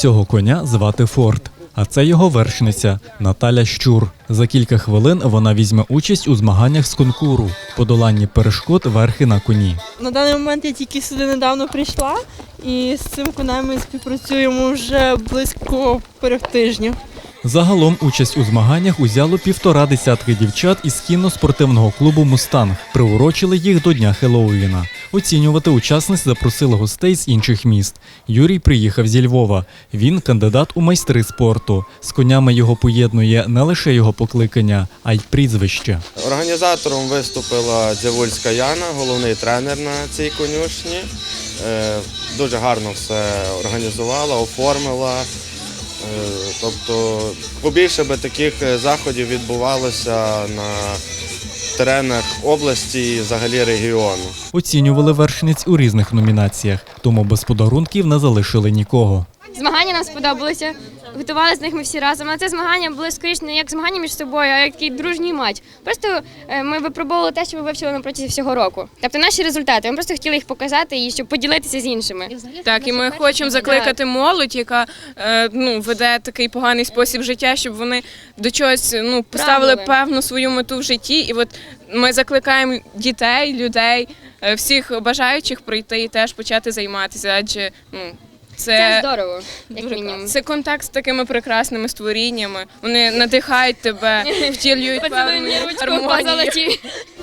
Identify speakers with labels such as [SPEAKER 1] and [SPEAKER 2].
[SPEAKER 1] Цього коня звати Форд, а це його вершниця Наталя Щур. За кілька хвилин вона візьме участь у змаганнях з конкуру «Подоланні перешкод верхи на коні».
[SPEAKER 2] На даний момент я тільки сюди недавно прийшла і з цим конем ми співпрацюємо вже близько тижня.
[SPEAKER 1] Загалом участь у змаганнях узяло 1,5 десятки дівчат із кінно-спортивного клубу «Мустанг». Приурочили їх до Дня Хеллоуіна. Оцінювати учасниць запросили гостей з інших міст. Юрій приїхав зі Львова. Він кандидат у майстри спорту. З конями його поєднує не лише його покликання, а й прізвище.
[SPEAKER 3] Організатором виступила Дзявульська Яна, головний тренер на цій конюшні. Дуже гарно все організувала, оформила. Тобто побільше би таких заходів відбувалося на теренах області і взагалі регіону.
[SPEAKER 1] Оцінювали вершниць у різних номінаціях, тому без подарунків не залишили нікого.
[SPEAKER 4] Змагання нам сподобалися, готувалися з них ми всі разом. Але це змагання були скоріше не як змагання між собою, а як такий дружній матч. Просто ми випробовували те, що ми вивчили на протязі всього року. Тобто наші результати, ми просто хотіли їх показати і щоб поділитися з іншими.
[SPEAKER 5] Так, і ми хочемо закликати молодь, яка веде такий поганий спосіб життя, щоб вони до чогось поставили певну свою мету в житті. І от ми закликаємо дітей, людей, всіх бажаючих прийти і теж почати займатися, адже
[SPEAKER 4] це здорово, як мінімум.
[SPEAKER 5] Це контакт з такими прекрасними створіннями. Вони надихають тебе, втілюють певну гармонію.